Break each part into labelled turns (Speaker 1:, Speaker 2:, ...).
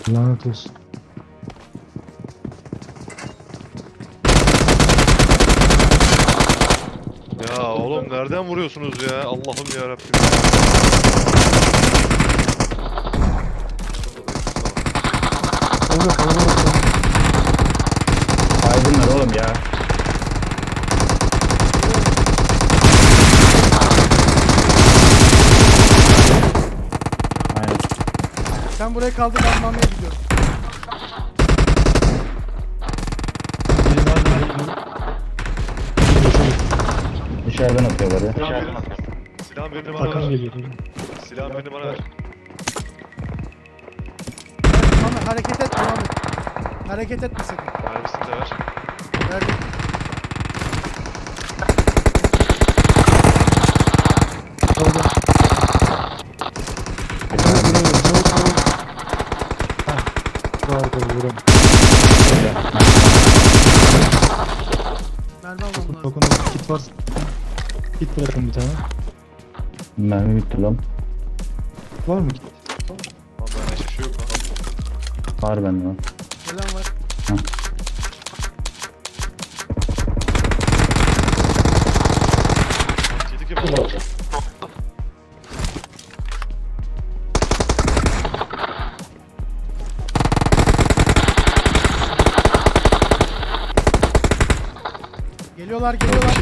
Speaker 1: Lanet olsun.
Speaker 2: Ya oğlum nereden vuruyorsunuz ya? Allah'ım ya Rabbim.
Speaker 1: Öyle kalabalık.
Speaker 3: Aydınlar oğlum ya. Aynen.
Speaker 4: Sen buraya kaldır, ben mamaya gidiyorum.
Speaker 1: Biri daha geliyor.
Speaker 3: Dışarıdan atıyorlar ya.
Speaker 2: Silahın birini bana
Speaker 1: Hakan
Speaker 2: ver.
Speaker 1: geliyor.
Speaker 2: Silahın birini bana ver.
Speaker 4: Mami hareket etme Mami. Hareket etme sakın.
Speaker 2: Mermisini de ver.
Speaker 4: Verdim.
Speaker 1: Orada. Vardı vuram.
Speaker 4: Mermi almam lazım.
Speaker 1: Bakın orada kit var. Kit bırakın bir tane.
Speaker 3: Mermi bitti lan.
Speaker 1: Var mı kit?
Speaker 2: Lan bende hiçbir şey yok lan.
Speaker 3: Var bende lan.
Speaker 4: Gelen var.
Speaker 2: Yedik yapalım.
Speaker 4: Geliyorlar, geliyorlar.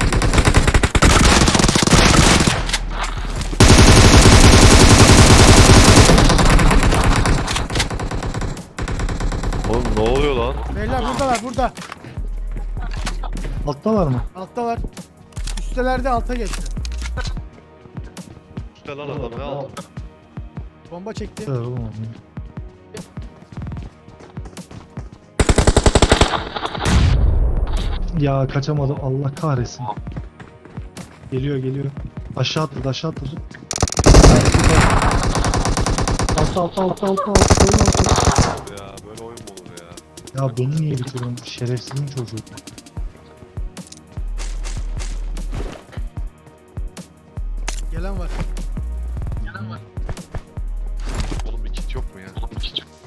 Speaker 2: Oğlum ne oluyor lan?
Speaker 4: Beyler buradalar, burada.
Speaker 1: Alttalar mı?
Speaker 4: Alttalar. Üstelerde alta geçti.
Speaker 2: Üstte lan adam ne aldın?
Speaker 4: Bomba çekti.
Speaker 1: Evet oğlum. Ya kaçamadım, Allah kahretsin. Geliyor geliyor. Aşağı atladı, aşağı atladı. Altta.
Speaker 2: Ya böyle oyun mu olur ya?
Speaker 1: Ya beni niye bitiriyorsun? Şerefsizin çocuğu.
Speaker 4: Gelen var.
Speaker 2: Oğlum bir kit yok mu ya? Oğlum bir kit yok.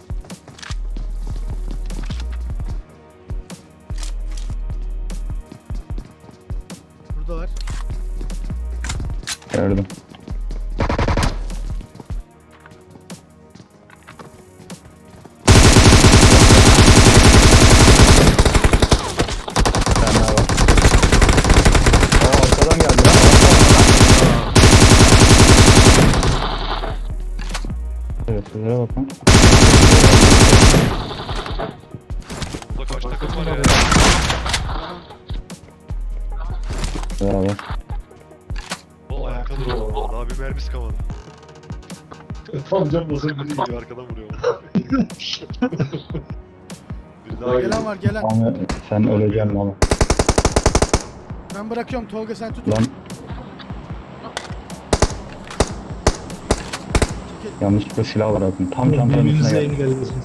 Speaker 4: Buradalar.
Speaker 3: Gördüm. Bir tane daha var. Aa, arkadan geldi lan. Evet, sizlere bakın.
Speaker 2: Burada kaç takım var ya?
Speaker 3: Beraber.
Speaker 2: O ayakta dur oğlum. Daha bir mermisi kalmadı.
Speaker 1: Tam can bozuldu.
Speaker 2: Biri gidiyor arkadan vuruyor. Biri daha
Speaker 4: Gelen
Speaker 2: geliyor.
Speaker 4: var, gelen.
Speaker 3: Ama sen öleceksin oğlum.
Speaker 4: Ben bırakıyorum, Tolga sen tut.
Speaker 3: Lan
Speaker 4: Çekil.
Speaker 3: yanlışlıkla silah var akın. Tam çantanın üstüne
Speaker 1: Birbirinize
Speaker 3: geldi.
Speaker 1: engelliyorsunuz.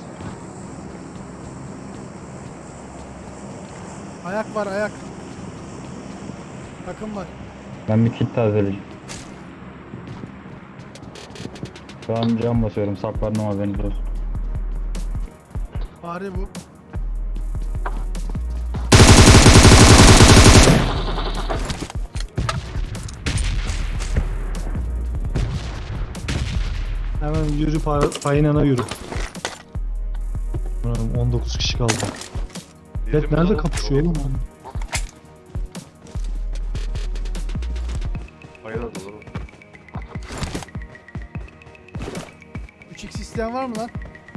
Speaker 4: Ayak var, ayak. Takım var.
Speaker 3: Ben bir kit tazeleyeceğim. Şu an cam basıyorum. Saklarım ama beni dur.
Speaker 4: Fare bu.
Speaker 1: Hemen yürü payınana yürü. Ulan 19 kişi kaldı.
Speaker 2: Yedim
Speaker 1: Evet nerede
Speaker 2: lan.
Speaker 1: kapışıyor oğlum?
Speaker 2: Hayır adı oğlum.
Speaker 4: 3x isteyen var mı lan?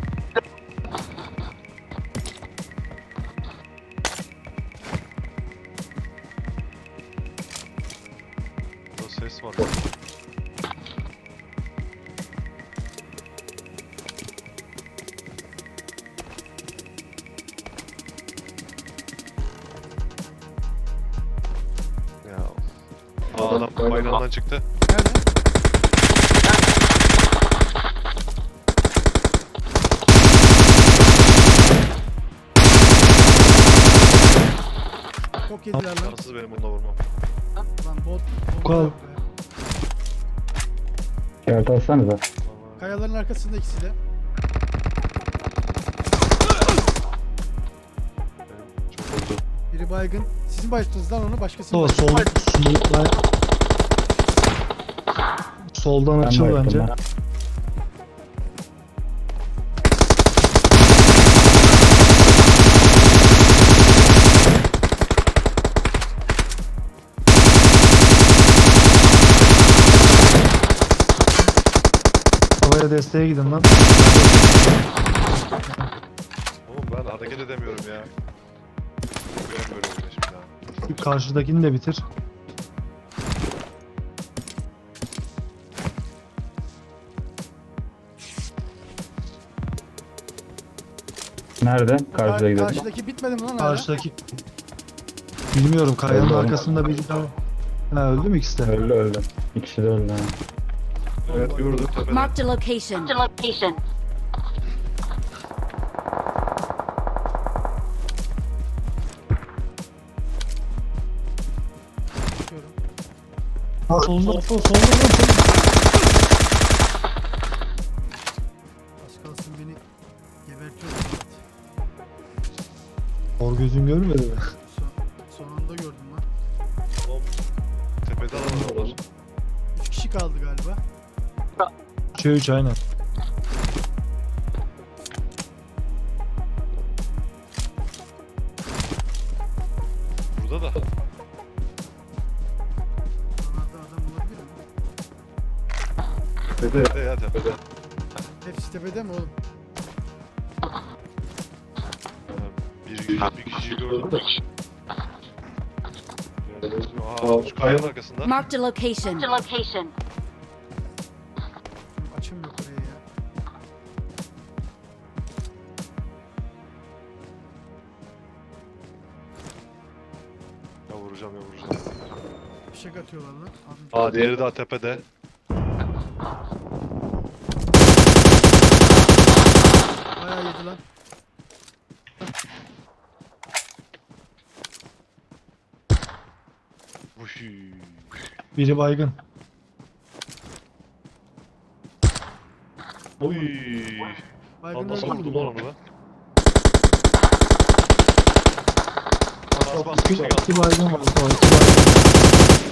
Speaker 2: Burada ses var. Ya. Aa adam bayrağından çıktı.
Speaker 4: Nerede? Çok yediler lan.
Speaker 2: Şanssız benim bununla vurmam.
Speaker 4: Lan bot.
Speaker 1: Kal.
Speaker 4: bot.
Speaker 3: İşaret alsanıza.
Speaker 4: Kayaların arkasında ikisi de. Biri baygın. Sizin bayıttınız lan onu, başkası mı?
Speaker 1: Mustafa soldan
Speaker 3: Ben
Speaker 1: açıl
Speaker 3: bayıldım
Speaker 1: bence.
Speaker 3: ben.
Speaker 1: Havaya desteğe gidin lan.
Speaker 2: Oğlum ben hareket edemiyorum ya. Göremiyorum bile şimdi ha.
Speaker 1: Karşıdakini de bitir.
Speaker 3: Nerede? Karşıda gidelim.
Speaker 4: Karşıdaki bitmedi mi lan hala?
Speaker 1: Karşıdaki... Bilmiyorum, kayanın
Speaker 3: Öldü,
Speaker 1: arkasında bir daha... Ha, öldü mü ikisi de?
Speaker 3: Öldü öldü. İkisi de öldü. Ha.
Speaker 2: Evet gördüm tepede.
Speaker 5: Marked a location.
Speaker 4: Bakıyorum.
Speaker 1: Ha, solda.
Speaker 4: Az kalsın beni gebertiyor Murat.
Speaker 1: Hor gözün görmedi mi?
Speaker 4: Son anda gördüm lan.
Speaker 2: Oğlum, tepede alan var.
Speaker 4: 3 kişi kaldı galiba.
Speaker 1: 3'e 3 aynen.
Speaker 2: Burada da.
Speaker 4: Onlarda adam olabilir mi?
Speaker 2: Tepede ya tepede.
Speaker 4: Hepsi tepede mi oğlum?
Speaker 2: Bir kişiyi gördüm de. Aa, şu kayanın arkasında.
Speaker 5: Marked a location.
Speaker 4: Açım yok oraya ya.
Speaker 2: Ya vuracağım.
Speaker 4: Fişek atıyorlar lan.
Speaker 2: Aa diğeri daha tepede.
Speaker 4: Bayağı yedi lan.
Speaker 2: Vuhuu.
Speaker 1: Biri baygın.
Speaker 2: Oy.
Speaker 4: Baygın
Speaker 2: Lan nasıl
Speaker 4: öldü mü?
Speaker 2: vurdum lan onu ben? Bas bas
Speaker 1: İki,
Speaker 2: fişek at.
Speaker 1: iki baygın var. Mustafa, iki baygın.